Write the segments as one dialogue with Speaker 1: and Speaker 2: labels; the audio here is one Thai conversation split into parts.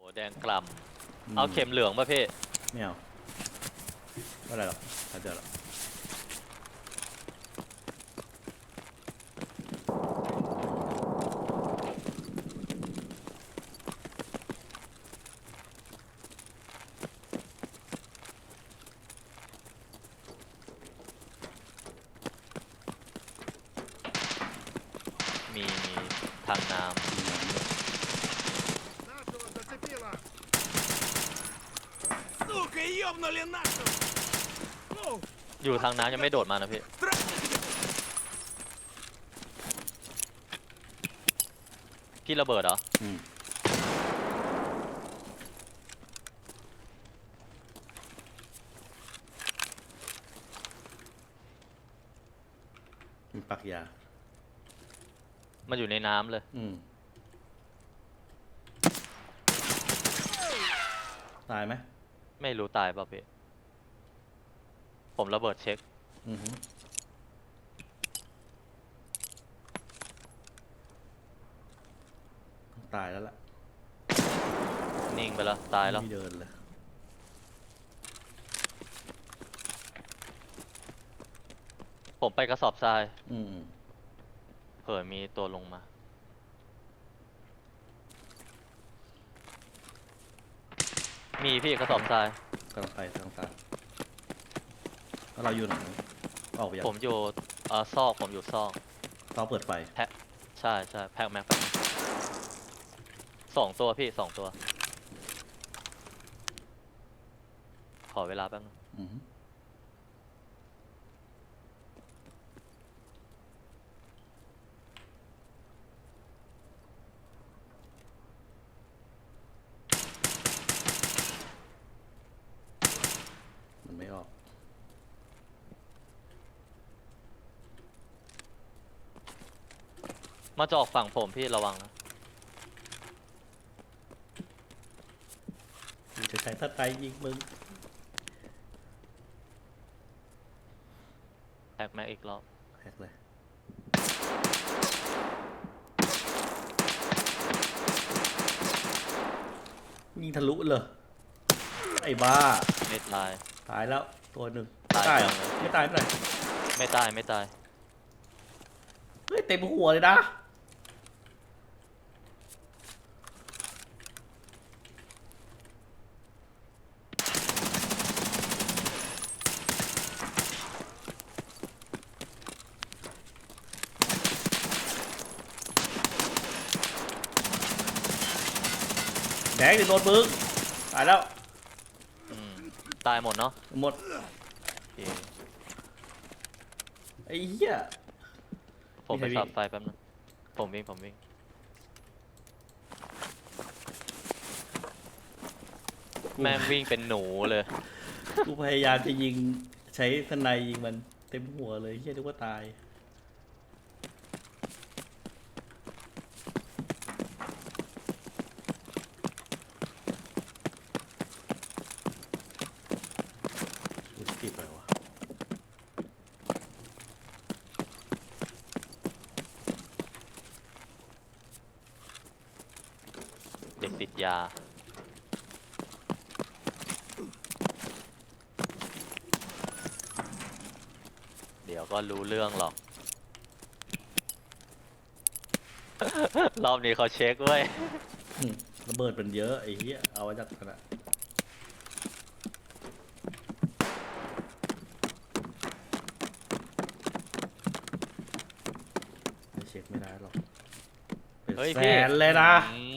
Speaker 1: แดงกล่ำเอาเข็มเหลืองป่ะพี่
Speaker 2: ไม่เอาไม่อะไรหรอกถ้าเจอหรอก
Speaker 1: มีทางน้ำ
Speaker 3: Нашего зацепило! Сука, ёбнули нашего!
Speaker 1: อยู่ทางน้ำยังไม่โดดมานะพี่พี่ระเบิดเหรอ
Speaker 2: มีปักยา
Speaker 1: มันอยู่ในน้ำเลย
Speaker 2: ตายไหม
Speaker 1: ไม่รู้ตายป่ะพี่ผมระเบิดเช็ค
Speaker 2: ตายแล้วล่ะ
Speaker 1: นิ่งไปแล้วตายแล้ว
Speaker 2: ไม่เดินเลย
Speaker 1: ผมไปกระสอบทรายเผื่อมีตัวลงมามีพี่กระสอบทราย
Speaker 2: กำลังไปทางซ้ายแล้วเราอยู่ไหนออกไปยัง
Speaker 1: ผมอยู่ซอกผมอยู่ซอก
Speaker 2: เปิดไฟ
Speaker 1: แพ็คใช่แพ็คแม็ก2 ตัวพี่2 ตัวขอเวลาแป๊บนึง
Speaker 2: มันไม่ออก
Speaker 1: มาจะออกฝั่งผมพี่ระวังนะ
Speaker 2: จะใช้ท่าไทยยิงมึง
Speaker 1: แพ็คแม็กอีกรอบ
Speaker 2: แฮกเลยยิงทะลุเลยไอ้บ้า
Speaker 1: ไม่ตาย
Speaker 2: ตายแล้วตัวหนึ่ง
Speaker 1: ตาย
Speaker 2: ไม่ตาย
Speaker 1: ไม่ตาย
Speaker 2: เฮ้ยเต็มหัวเลยนะแดงโดนมึงตายแล้ว
Speaker 1: ตายหมดเนาะ
Speaker 2: หมดไอ้เหี้ย
Speaker 1: ผมไปสับไฟแป๊บนึงผมวิ่งแม่งวิ่งเป็นหนูเลย
Speaker 2: กูพยายามจะยิงใช้สไนยิงมันเต็มหัวเลยเหี้ยนึกว่าตายติดไปวะ
Speaker 1: เด็กติดยาเดี๋ยวก็รู้เรื่องหรอกรอบนี้เขาเช็คเว้ย
Speaker 2: ระเบิดมันเยอะไอ้เหี้ยเอาไว้จากขนาดเช็คไม่ได้หรอกเป็นแสนเลยนะ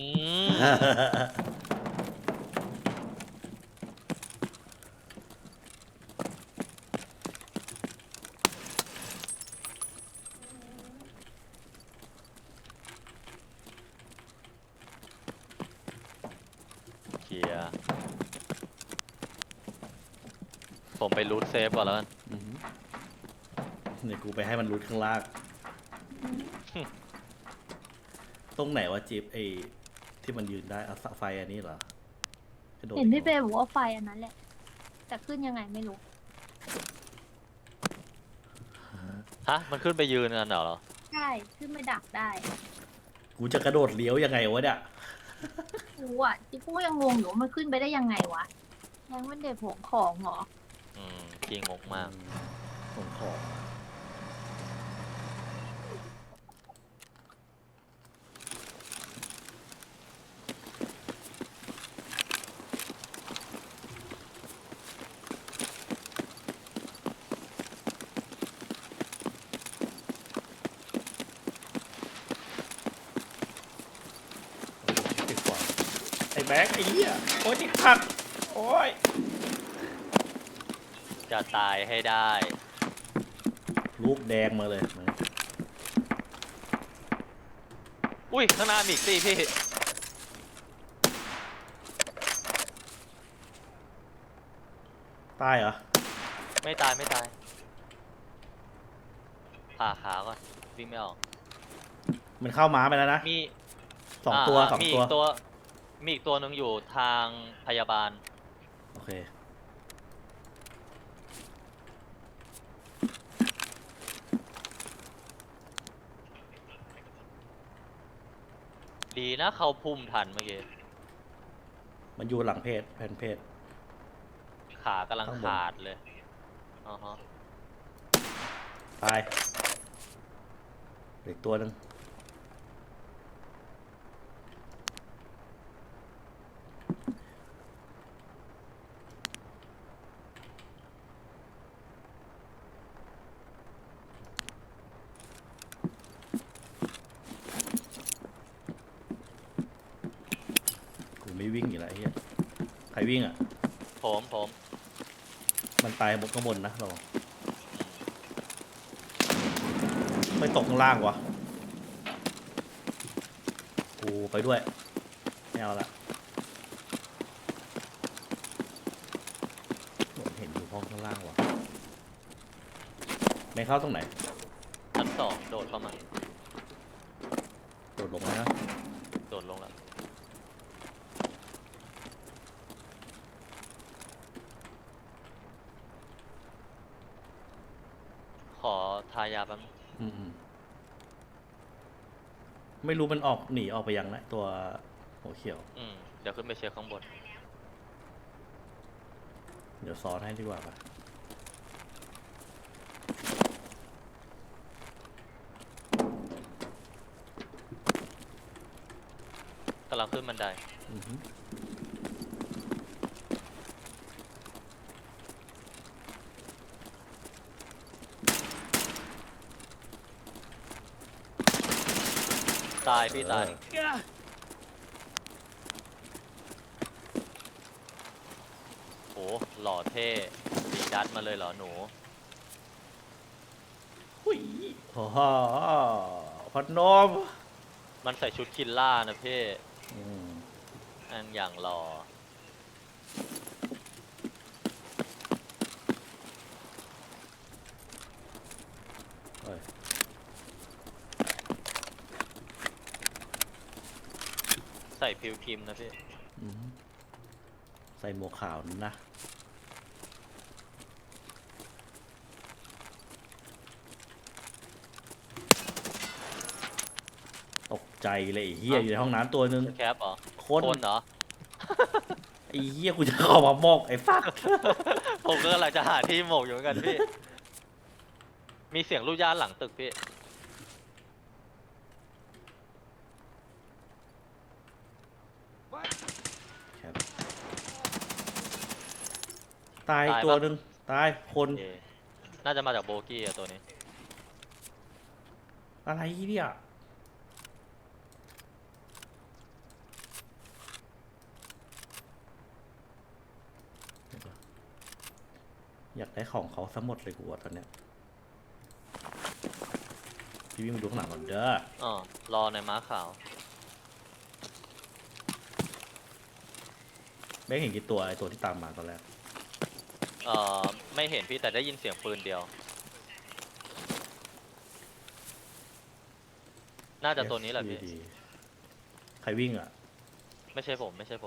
Speaker 1: ผมไปรูทเซฟก่อนแล้วกัน
Speaker 2: เนี่ยกูไปให้มันรูทข้างล่างตรงไหนวะจิ๊บไอ้ที่มันยืนได้เอาไฟอันนี้เหรอ
Speaker 4: เห็นพี่เป้บอกว่าไฟอันนั้นแหละแต่ขึ้นยังไงไม่รู้
Speaker 1: ฮะมันขึ้นไปยืนกันเหรอ
Speaker 4: ใช่ขึ้นไปดักได้
Speaker 2: กูจะกระโดดเลี้ยวยังไงวะเนี่ย
Speaker 4: รู้อ่ะที่กูยังงงอยู่ว่ามันขึ้นไปได้ยังไงวะยังมันเด็กผงของเหรอ
Speaker 1: จริงงงมาก
Speaker 2: ส่งของติดกว่าไอ้แบ็คไอ้เหี้ยโอ้ยติดขัดโอ้ย
Speaker 1: จะตายให้ได้
Speaker 2: ลูกแดงมาเลย
Speaker 1: อุ้ยข้างหน้ามีอีกสิพี่
Speaker 2: ตายเหรอ
Speaker 1: ไม่ตายไม่ตายผ่าขาก่อนวิ่งไม่ออก
Speaker 2: มันเข้าม้าไปแล้วนะ
Speaker 1: มี
Speaker 2: สองตัวสอง
Speaker 1: มี
Speaker 2: ตัว
Speaker 1: อีกตัว มีอีกตัวหนึ่งอยู่ทางพยาบาล
Speaker 2: โอเค
Speaker 1: ดีนะเขาพุ่มทันเมื่อกี้
Speaker 2: มันอยู่หลังเพจแผ่นเพจ
Speaker 1: ขากำลัง
Speaker 2: ข้างบน
Speaker 1: ขาดเลยอ๋อฮะ
Speaker 2: ตายอีกตัวหนึ่งกูไม่วิ่งอยู่แล้วไอ้เฮียใครวิ่งอ่ะ
Speaker 1: ผม
Speaker 2: มันตายบนข้างบนนะเราไม่ตกข้างล่างวะกูไปด้วยไม่เอาละเห็นอยู่ห้องข้างล่างวะไม่เข้าตรงไหน
Speaker 1: ชั้นสองโดดเข้ามา
Speaker 2: โดดลงนะ
Speaker 1: โดดลงแล้ว ขอทายาแป๊บนึง
Speaker 2: อืมไม่รู้มันออกหนีออกไปยังนะตัวหัวเขียว
Speaker 1: เดี๋ยวขึ้นไปเช็คข้างบน
Speaker 2: เดี๋ยวซ้อนให้ดีกว่าป่ะ
Speaker 1: กำลังขึ้นบันได
Speaker 2: อือหือ
Speaker 1: ตายพี่ตาย โหหล่อเท่ดีดัดมาเลยเหรอหนู
Speaker 2: หุยโอ้โหพัดนม
Speaker 1: มันใส่ชุดคิลล่านะพี่
Speaker 2: อืม
Speaker 1: อันอย่างหล่อ
Speaker 2: เอ้ย
Speaker 1: ใส่พิวคิมนะพี่
Speaker 2: อือหือใส่หมวกขาวนั่นนะตกใจเลยไอ้เฮีย
Speaker 1: เอ้า
Speaker 2: อยู่ในห้องน้ำตัวนึง
Speaker 1: แคปเหรอ
Speaker 2: คน
Speaker 1: คนเหรอ
Speaker 2: ไอ้เฮียกูจะเข้ามามอกไอ้ฟัก
Speaker 1: ผมก็กำลังจะหาที่หมกอยู่เหมือนกันพี่ มีเสียงลูกย่านหลังตึกพี่
Speaker 2: ครับตาย
Speaker 1: ตายปะ
Speaker 2: ตัวหนึ่งตายคน
Speaker 1: เอน่าจะมาจากโบกี้อะตัวนี้
Speaker 2: อะไรเนี่ยอยากได้ของเขาซะหมดเลยกูอะตอนเนี้ยพี่วิ่งมาดูข้างหลังก่อนเด้อ
Speaker 1: อ๋อ รอในม้าขาว
Speaker 2: ไม่เห็นกี่ตัวไอ้ตัวที่ตามมาตอนแรก
Speaker 1: ไม่เห็นพี่แต่ได้ยินเสียงปืนเดียว น่าจะตัวนี้แหละพี่
Speaker 2: FVD ใครวิ่งอ่ะ
Speaker 1: ไม่ใช่ผมไม่ใช่ผม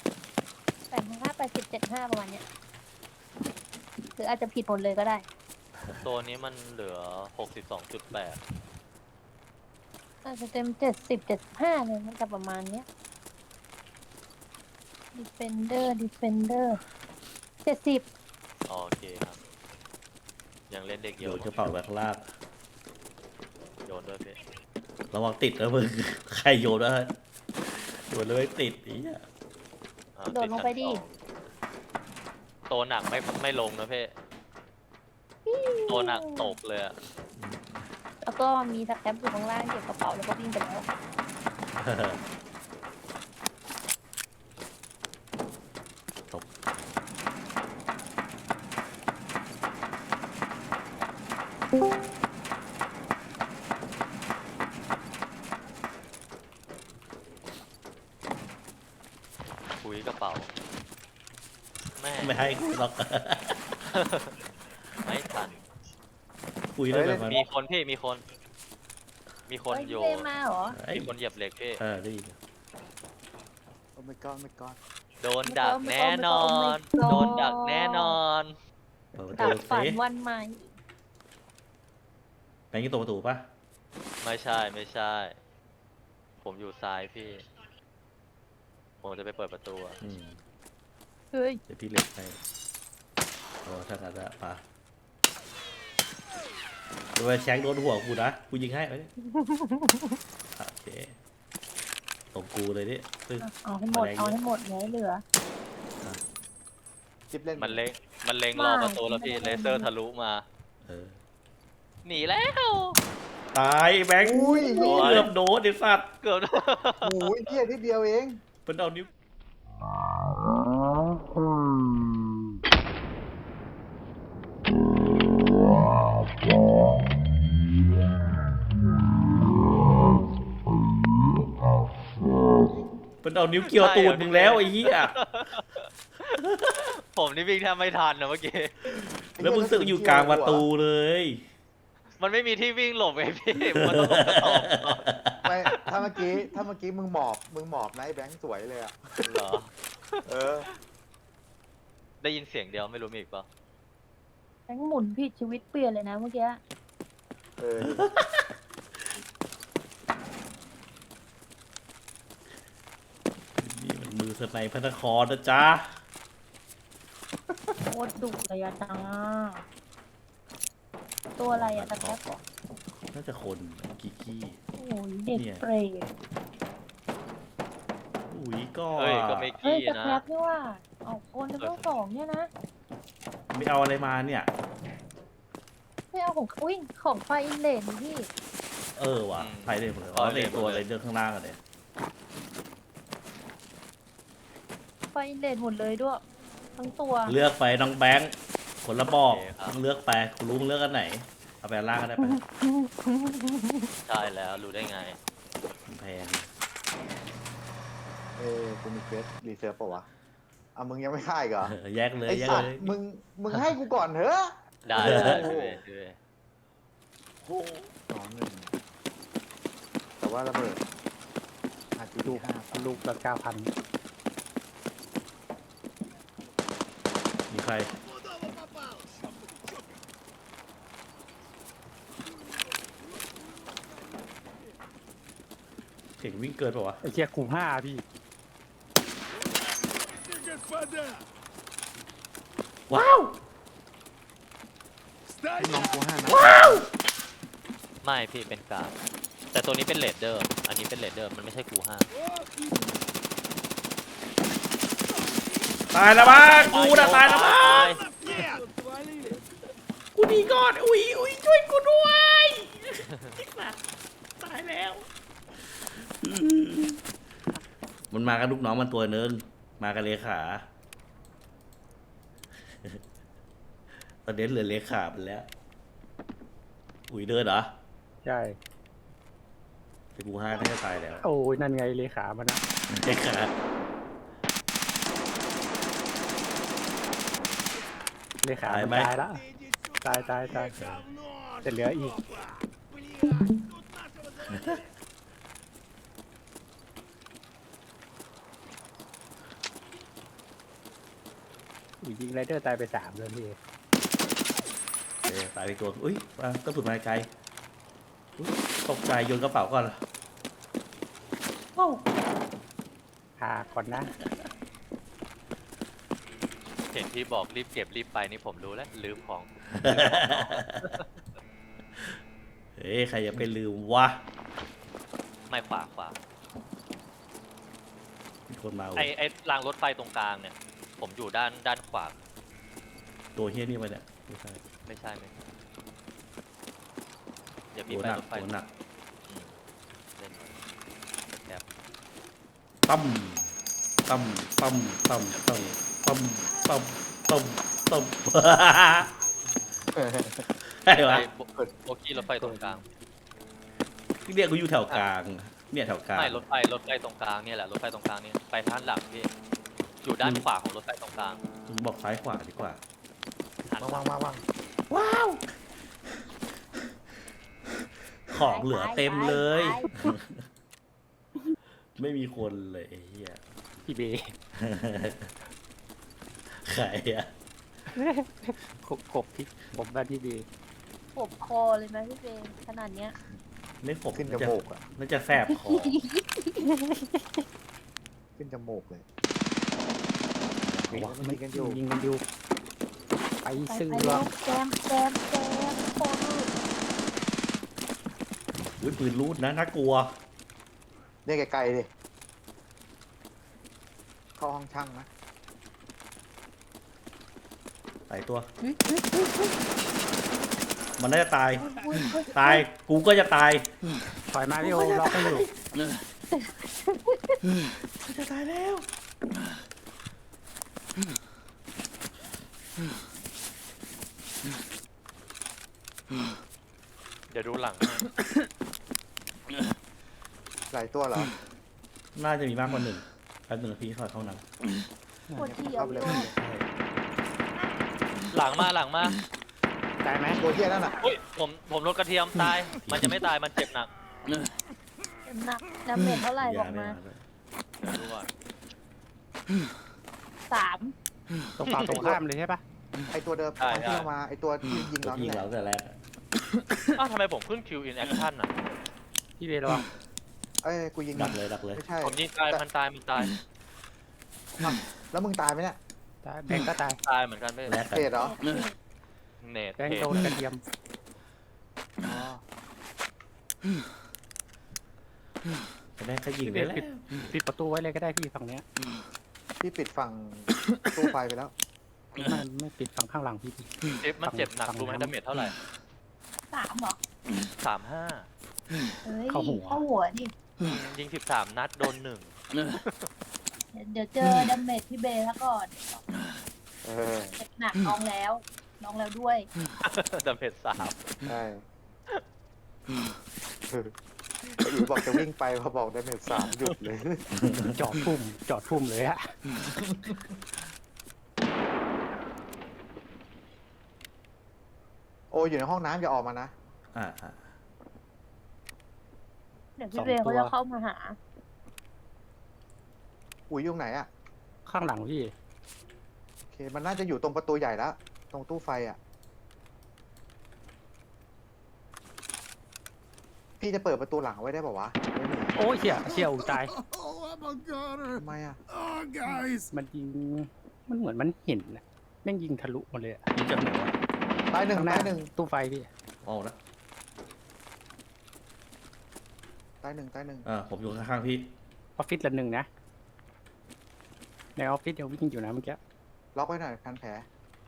Speaker 4: 85 87 5ประมาณเนี้ยหรืออาจจะผิดหมดเลยก็ได้
Speaker 1: ตัวนี้มันเหลือ 62.8
Speaker 4: อาจจะเต็ม70-75เลยมันจะประมาณเนี้ย Defender 70
Speaker 1: โอเคครับ ยังเล่นเด็ก
Speaker 2: โย
Speaker 1: เยอะ
Speaker 2: นกระเป๋าไว้ข้างล่าง
Speaker 1: โยนด้วยพี่
Speaker 2: ระวังติดนะมึง ใครโยนวะโยนเลยติดอีอ่ะ
Speaker 4: โดดลงไปดิ
Speaker 1: ตัวหนักไม่ลงนะพี่ตัวหนักตกเลยอะ
Speaker 4: แล้วก็มีสแครปอยู่ข้างล่างเก็บกระเป๋าแล้วก็วิ่งไปแล้ว
Speaker 2: ตก
Speaker 1: คุยกระเป๋าแม่
Speaker 2: ไม่ให้กูหรอก
Speaker 1: ไม่ทัน
Speaker 2: คุยได้แบบนั้น
Speaker 1: มีคนพี่มีคน มีคน
Speaker 4: เฮ้ย
Speaker 1: โย
Speaker 4: พี่เบมาเหรอ
Speaker 2: เอ้ย
Speaker 1: มีคนเหยียบเหล็กพี่
Speaker 2: ได้ยิน
Speaker 5: โอ้ my god my god
Speaker 1: โดนดักแน่นอน
Speaker 4: Oh my god
Speaker 1: โดนดักแน่นอน
Speaker 2: เปิดประ
Speaker 4: ดั
Speaker 2: ตู
Speaker 4: บฝัน
Speaker 2: สิ
Speaker 4: วันใหม่
Speaker 2: แบงค์ยี่ตัวประตูปะ
Speaker 1: ไม่ใช่ ผมอยู่ซ้ายพี่ ผมจะไปเปิดประตูอะ
Speaker 2: อืม
Speaker 4: เฮ้ย
Speaker 2: เดี๋ยวพี่เล็กให้โอ้ถ้างั้นอะปะโดนแช็คโดนหัวกูนะ กูยิงให้ไปดิโอเคตรงกูเลยดิซึ่ง
Speaker 4: เอาให้หมด เอาให้หมดอย่าให้เหลือ
Speaker 5: จิ๊บเล่น
Speaker 1: มันเล็งรอประตูแล้วพี่ เลเซอร์ทะลุมา
Speaker 2: เออ
Speaker 1: หนีแล้ว
Speaker 2: ตายแบงค์
Speaker 5: อุ้ย
Speaker 1: โอ้ย
Speaker 2: เกือบโดนไอ้สัตว์
Speaker 1: เกือบ
Speaker 5: โอ้ยเที่ยนิดเดียวเอง
Speaker 2: มันเอานิ้วมันเอานิ้วเกี่ยวตูดมึงแล้วไอ้เหี้ย
Speaker 1: ผมนี่วิ่งแทบไม่ทันนะเมื่อกี้
Speaker 2: แล้วมึงสึกอยู่กลางประตูเลย
Speaker 1: มันไม่มีที่วิ่งหลบไงพี่ มันต้องหลบกระสอบก่อน
Speaker 5: ไม่ถ้าเมื่อกี้มึงหมอบนะไอ้แบงค์สวยเลยอ่ะ
Speaker 1: เหรอ
Speaker 5: เออ
Speaker 1: ได้ยินเสียงเดียวไม่รู้มีอีกเปล่า
Speaker 4: แบงค์หมุนผิดชีวิตเปลี่ยนเลยนะเมื่อกี้
Speaker 5: เออ
Speaker 2: นี่มันมือสไนพระนครนะจ๊ะ
Speaker 4: โคตรดุเลยอะจ้าตัวอะไรอะตะแคบบอก
Speaker 2: น่าจะคนกิกี้
Speaker 4: โอ้ยเด็ก
Speaker 2: เนี่ย
Speaker 4: เปรต
Speaker 2: อุ้ยก็
Speaker 1: เฮ้ย ก็ไม่
Speaker 4: เฮ้ย
Speaker 1: กี้
Speaker 4: ตะ
Speaker 1: นะ
Speaker 4: แคบนี่ว่าเอาคนจะต้องสองเนี่ยนะ
Speaker 2: ไม่เอาอะไรมาเนี่ย
Speaker 4: ไม่เอาของอุ้ยของไฟอินเลนนี่พี่
Speaker 2: เออว่ะไปเลยหมดเลยอ๋อในตัวอะไรเดินข้างล่างอะเนี่ย
Speaker 4: ไฟอินเลนหมดเลยด้วย ทั้งตัว
Speaker 2: เลือกไปน้องแบงค์คนละบอกมึงเลือกไปกูรู้มึงเลือกอันไหนเอาไปอันล่างก็ได้ไป
Speaker 1: ใช่แล้วรู้ได้ไง
Speaker 2: มันแพง
Speaker 5: เออกูมีเควสรีเซิร์ฟป่าวะอ่ะมึงยังไม่ฆ่าอีกเหรอ
Speaker 2: แยกเลย
Speaker 5: ไอ้
Speaker 2: แยก
Speaker 5: สัต
Speaker 2: เล
Speaker 5: ว์
Speaker 2: ย
Speaker 5: มึงให้กูก่อนเถอะ
Speaker 1: ได้พี่เวย์พี่เวย์
Speaker 5: 2-1แต่ว่าระเบิดอาจจะดู5
Speaker 6: ลูกละ9,000
Speaker 2: มีใคร
Speaker 3: Куда попал?
Speaker 2: เก่งวิ่งเกินเปล่าวะ
Speaker 6: ไอ้เชี่ยคู5พี่
Speaker 3: Господа!
Speaker 2: ว้าว
Speaker 5: น้อง
Speaker 3: Стоять!
Speaker 5: กู5นะ
Speaker 1: ไม่พี่เป็นกราฟแต่ตัวนี้เป็นเลดเดอร์ อันนี้เป็นเลดเดอร์ มันไม่ใช่กูห้า
Speaker 2: ตายแล้วบ้ากูนะตายแล้วบ้า
Speaker 3: Нет!
Speaker 2: กูหนีก่อนอุ้ยอุ้ยช่วยกูด้วยตายแล้ว มันมากับลูกน้องมันตัวนึงมากับเลขา ตอนนี้เหลือเลขาไปแล้ว อุ้ยเดินเหรอ
Speaker 6: ใช่
Speaker 2: แต่กูห้าน่าจะตายแล้ว
Speaker 6: โอ้ยนั่นไงเลขามันนะ
Speaker 2: เลขา
Speaker 6: เลขามันตายละ
Speaker 3: Иди сюда,
Speaker 6: Тай.
Speaker 3: говно,
Speaker 6: Ты лё, и-
Speaker 3: жопа! Блядь, тут нашего завалили.
Speaker 6: อุ้ยยิงไรเดอร์ตายไป3เลยพี่
Speaker 2: ตายไปตัวอุ้ยกระสุนมาไกลอุ๊ยตกใจโยนกระเป๋าก่อนโอ้า
Speaker 6: พาก่อนนะ
Speaker 1: เห็นที่บอกรีบเก็บรีบไปนี่ผมรู้แล้วลืมของ
Speaker 2: เฮ้ยใครจะไปลืมวะ
Speaker 1: ไม่ขวาขวา
Speaker 2: มีคนมา
Speaker 1: ไอ้รางรถไฟตรงกลางเนี่ย ผมอยู่ด้านขวา
Speaker 2: ตัวเฮี้ยนี่มาเนี่ยไม่ใช่
Speaker 1: ไม่ใช่ไม่ใช่เดี๋ยวมี
Speaker 2: ตัว
Speaker 1: ไป
Speaker 2: หนัก
Speaker 1: รถไฟ
Speaker 2: ตัวหนัก
Speaker 1: อืมเล่นแอบ
Speaker 2: ตั้มตั้มตั้มตั้มตั้มตั้มตั้มตั้มตั้มใช่
Speaker 1: ไป
Speaker 2: ปะ
Speaker 1: โบกี้รถไฟตรงกลาง
Speaker 2: เนี่ยกูอยู่แถวกลางเนี่ยแถวกลาง
Speaker 1: ไม่รถไฟตรงกลางเนี่ยแหละรถไฟตรงกลางเนี่ยไปทางหลังพี่อยู่ด้านขวาของรถไฟตรงกลาง
Speaker 2: มึงบอกซ้ายขวาดีกว่า
Speaker 1: หัน
Speaker 5: วางวางวาง
Speaker 2: ว้าว ของเหลือเต็มเลย
Speaker 4: ไปไป
Speaker 2: ไม่มีคนเลยไอ้เฮีย
Speaker 6: พี่เบ
Speaker 2: ใครอะ
Speaker 6: กบพี่ผมบ้านพี่เบ
Speaker 4: ปวดคอเลยไหมพี่เบย์ขนาดเนี้ย
Speaker 2: ไม่ขบ
Speaker 5: ขึ้นจ
Speaker 2: น่าจะ
Speaker 5: มูกอ่ะ
Speaker 2: น่าจะแสบคอ
Speaker 5: ขึ้นจมูกเลย
Speaker 6: มัน
Speaker 5: ยิงกันอยู่
Speaker 6: ยิงกันอยู่ไป
Speaker 4: ไป
Speaker 6: ซื้อ
Speaker 4: ไปลูกแจมโคตร
Speaker 2: อุ้ยปืนรูดนะน่ากลัว
Speaker 5: เรียกไกลๆดิเข้าห้องช่างนะ
Speaker 2: ตายตัว
Speaker 4: อุ๊ยอุ๊ยอุ๊ยอุ๊ย
Speaker 2: มันน่าจะตาย
Speaker 4: อุ๊ยอุ๊ย
Speaker 2: ตาย กูก็จะตาย
Speaker 6: ถอยมาพี่โอล็อกให้อยู่
Speaker 2: จะตายแล้ว
Speaker 1: เดี๋ยวดูหลัง
Speaker 5: หลายตัวเหรอ
Speaker 2: น่าจะมีมากกว่าหนึ่งแป๊บหนึ่งพี่ขอเข้าน้
Speaker 4: ปวดเที่ยว
Speaker 5: เข้าไปเลย
Speaker 4: ด้วย
Speaker 1: หลังมาหลังมา
Speaker 6: ได้ไหม
Speaker 5: ตัวเที่ยนั่นน่ะ
Speaker 1: อุ้ยผมรถกระเทียมตาย มันจะไม่ตายมันเจ็บหนัก
Speaker 4: หนักดาเมจเท่าไหร่
Speaker 2: ำ
Speaker 4: บอกมา
Speaker 1: เดี๋ยวดูก่อน
Speaker 4: 3
Speaker 6: ตรงฝั่งตรงข้ามเลยใช่ปะ
Speaker 5: ไอตัวเดิมตอนที่เรามาไอตัวที่ยิง
Speaker 2: ตัว
Speaker 5: เรา
Speaker 2: ที่
Speaker 5: นี่
Speaker 2: ยิง
Speaker 5: แห
Speaker 2: เรา
Speaker 5: ละ
Speaker 2: แต่แรกอะ
Speaker 1: อ้าวทำไมผมขึ้น Q in action อ่ะ
Speaker 6: พี่เบระวัง
Speaker 5: เอ้ยกูยิง
Speaker 2: ดักเลยดักเลย
Speaker 5: ไม่ใช่
Speaker 1: ผมยิงตายมันตายมันตาย
Speaker 5: แล้วมึงตายไหมเนี่ย
Speaker 6: ตายแบงก์ก็ตาย
Speaker 1: ตายเหมือนกันไม่
Speaker 2: แลกกัน
Speaker 5: เตะเหรอ
Speaker 1: เนต
Speaker 6: แบงก์โดนกระเทียม
Speaker 5: อ๋อ
Speaker 2: แต่แรกก็ยิง
Speaker 6: พี่เบ
Speaker 2: ได้แล้ว
Speaker 6: ปิดประตูไว้เลยก็ได้พี่ฝั่งเนี้ย
Speaker 5: พี่ปิดฝั่งตู้ไฟไปแล้ว
Speaker 6: ไม่ปิดฝั่งข้างหลังพี่
Speaker 1: เจ็บมันเจ็บหนักรู้ไหมดาเมจเท่าไหร่
Speaker 4: 3เหรอ
Speaker 1: 35
Speaker 4: เอ้ย
Speaker 6: เข้าหัว
Speaker 4: เข้าหัวดิ
Speaker 1: ยิง13 นัดโดน
Speaker 4: เดี๋ยวเจอดาเมจพี่เบย์ซะก่อน
Speaker 5: เออ
Speaker 4: เจ็บหนักน้องแล้วด้วย
Speaker 1: 1 ดาเมจ3
Speaker 5: ใช่ไอ้อีบอกจะวิ่งไปพอบอกได้เมจ3หยุดเลย
Speaker 6: จอดทุ่มเลยอะ
Speaker 5: โอ้อยู่ในห้องน้ำอย่าออกมานะ
Speaker 2: อ่า
Speaker 4: เดี๋ยวพี่เบย์เขาจะเข้ามาหา
Speaker 5: อุ๋ยอยู่ไหนอะ
Speaker 6: ข้างหลังพี่
Speaker 5: โอเค มันน่าจะอยู่ตรงประตูใหญ่แล้ว ตรงตู้ไฟอะพี่จะเปิดประตูหลังไว้ได้ป่าวะไม่มี
Speaker 6: โอ้ยเชี่ยอูตาย
Speaker 3: Oh, I'm a goner.
Speaker 5: ทำไมอะ
Speaker 3: Oh, guys.
Speaker 6: มันยิงมันเหมือนมันเห็นนะแม่งยิงทะลุหมดเลยอะ
Speaker 2: ยิงจากไหนวะ
Speaker 5: ตายหนึ่ง
Speaker 6: ข้างหน้า
Speaker 5: ตายหนึ่ง
Speaker 6: ตู้ไฟพี่
Speaker 2: ออกแล้ว
Speaker 5: ตายหนึ่งตายหนึ่ง
Speaker 2: ผมอยู่ข้างๆพี่
Speaker 6: ออฟฟิศละหนึ่งนะในออฟฟิศยังวิ่งอยู่นะเมื่อกี้
Speaker 5: ล็อกไว้หน่อยพันแผล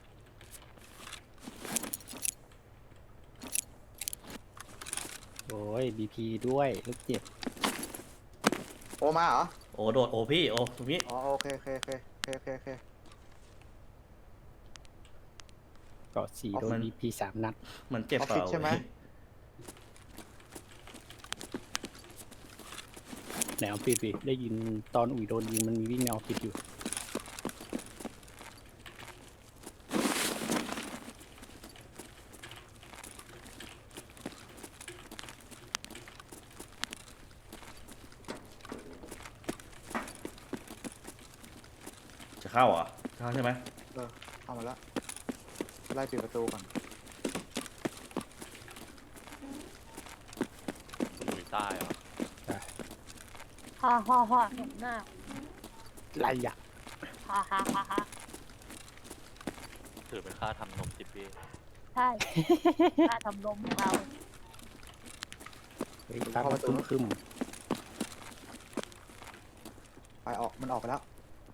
Speaker 6: โอ้ยบีพีด้วยลูกเจ็บ
Speaker 5: โอมาเหรอ
Speaker 2: โอ้โดดโอ้พี่โอ้ตรงนี้
Speaker 5: อ๋อโอเคโอเคโอเคโอเคโอเคโอเค
Speaker 6: เกาะสี่โดนบีพี3 นัด
Speaker 2: มันเจ็บเปล่า
Speaker 5: ออฟฟิศใช่ไหม
Speaker 6: ในออฟฟิศพี่ได้ยินตอนอุ๋ยโดนยิงมันมีวิ่งในออฟฟิศอยู่
Speaker 2: จะเข้าเหรอเข้าใช่ไหม
Speaker 5: เข้ามาแล้วไล่ปิดประตูก่อน
Speaker 1: ตายเหรอ
Speaker 4: ฮ่าฮ่าฮ่าเห็นหน้า
Speaker 6: ไรอ่ะ
Speaker 4: ฮ่าฮ่าฮ่าฮ่า
Speaker 1: ถือเป็นค่าทำนมสิพี่
Speaker 4: ใช่ค่าทำนมของเรา
Speaker 6: เฮ้ยตามมาคึม
Speaker 5: ไปออกมันออกไปแล้ว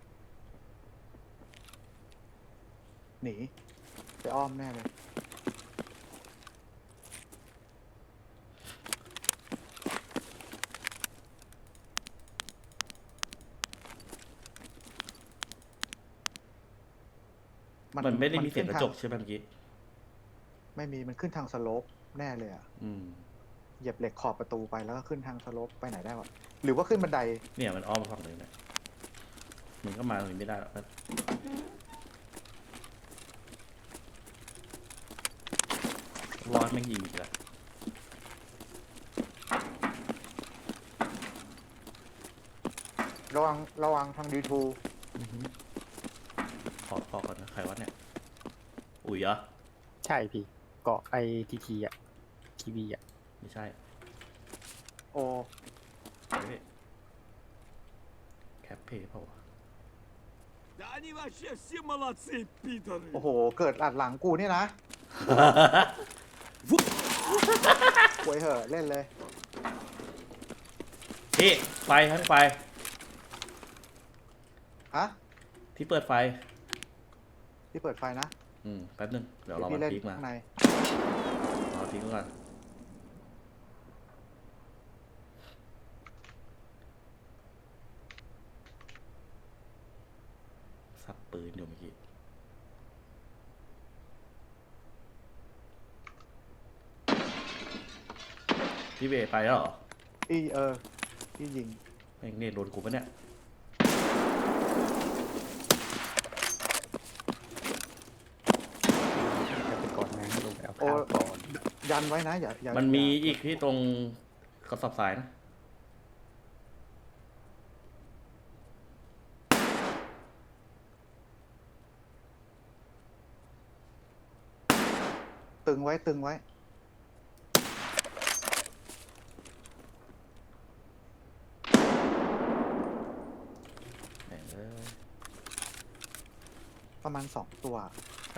Speaker 5: หนีไปอ้อมแน่เลย
Speaker 2: มันไม่ได้มีเสียงกระจก
Speaker 5: ขึ้นท
Speaker 2: ใช่ไหมเมื่อกี้
Speaker 5: ไม่มีมันขึ้นทางสโลปแน่เลยอ่ะ
Speaker 2: อืม
Speaker 5: เหยียบเหล็กขอบประตูไปแล้วก็ขึ้นทางสโลปไปไหนได้วะหรือว่าขึ้นบันได
Speaker 2: เนี่ยมันอ้อมฝั่งเลยเนี่ยมันก็มาตรงนี้ไม่ได้หรอกรอดแม่งยิงอีกแล้ว
Speaker 5: ระวังทางดีทู
Speaker 2: ขอก่อนนะใครวะเนี่ย อุ๋ยเหรอ
Speaker 6: ๆใช่พี่ เกาะไอทีอ่ะทีวีอ่ะ
Speaker 2: ไม่ใช่
Speaker 5: โอ้
Speaker 2: เฮ้ยแคปเพย์เปล่าวะ
Speaker 3: Да они вообще все молодцы, пидоры.
Speaker 5: โอ้โห เกิดอัดหลังกูนี่นะป่วยเหอะเล่นเลย
Speaker 2: พี่ไฟทั้งไฟ
Speaker 5: ฮะ
Speaker 2: ที่เปิดไฟ
Speaker 5: ที่เปิดไฟนะ
Speaker 2: แป๊บนึง เดี๋ยวรอ
Speaker 5: พี่
Speaker 2: มัน
Speaker 5: เล่น
Speaker 2: พีกมา
Speaker 5: ข้างใน
Speaker 2: รอพีกก่อนสับปืนอยู่เมื่อกี้ พี่เบย์ไปแล้วเหรอ
Speaker 5: พี่ยิง
Speaker 2: แม่งเนี่ยโดนกูปะเนี่ย
Speaker 6: จะไปก่อนนะลงไปเอา
Speaker 5: โอ้
Speaker 6: ข้าวก่อน
Speaker 5: ยันไว้นะอย่า
Speaker 2: มันมี
Speaker 5: อย่า
Speaker 2: อีกที่ตรงกระสอบทรายนะ
Speaker 5: ตึงไว้ตึงไว้
Speaker 2: แม่งเอ้ย
Speaker 5: ประมาณ2 ตัว
Speaker 2: ใช่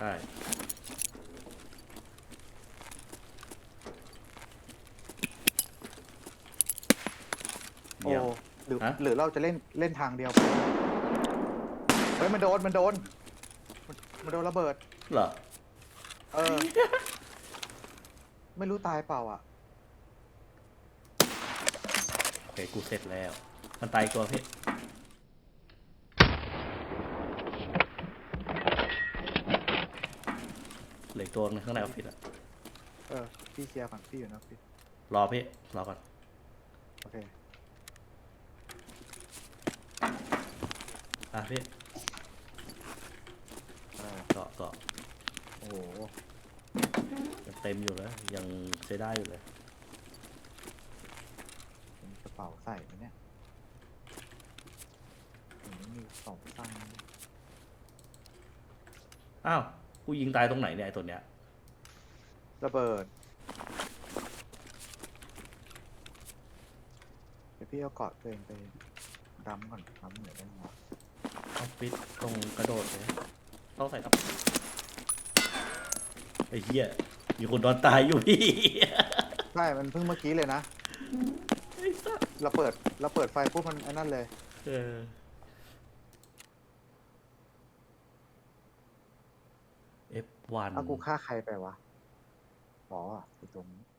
Speaker 5: โอ้
Speaker 2: เดี๋ยว
Speaker 5: หรือ
Speaker 2: ฮะ
Speaker 5: หรือเราจะเล่นทางเดียวเฮ้ยมันโดนมันโดนระเบิด
Speaker 2: เหรอ
Speaker 5: ไม่รู้ตายเปล่าอ่ะ
Speaker 2: โอเค กูเสร็จแล้ว มันตายอีกตัวพี่เหลืออกตัวนึงข้างในออฟฟิศอะ
Speaker 5: พี่เคลียร์ก่อนพี่อยู่นะพี่
Speaker 2: รอพี่ รอก่อน
Speaker 5: โอเค
Speaker 2: อ่ะพี่
Speaker 5: เออ
Speaker 2: เกาะเกาะ
Speaker 5: โอ้โห
Speaker 2: ยังเต็มอยู่เลยยังใช้ได้อยู่เลย
Speaker 5: มีกระเป๋าใส่ไหมเนี่ยมี2 ตังค์
Speaker 2: อ้าว กูยิงตายตรงไหนเนี่ยไอ้ตัวเนี้ย
Speaker 5: ระเบิด เดี๋ยวพี่เอาเกาะตัวเองไปดำก่อนดำเหนื่อยได้ไหมวะ
Speaker 2: ออฟฟิศตรงกระโดดเลยต้องใส่ครับไอ้เหี้ยมีคนนอนตายอยู่พี่
Speaker 5: ใช่ มันเพิ่งเมื่อกี้เลยนะ
Speaker 2: ไอ้สัส
Speaker 5: เราเปิดไฟปุ๊บมันไอ้นั่นเลย
Speaker 2: เออ F1
Speaker 5: เอากูฆ่าใครไปวะอ๋ออยู่ตรงนี้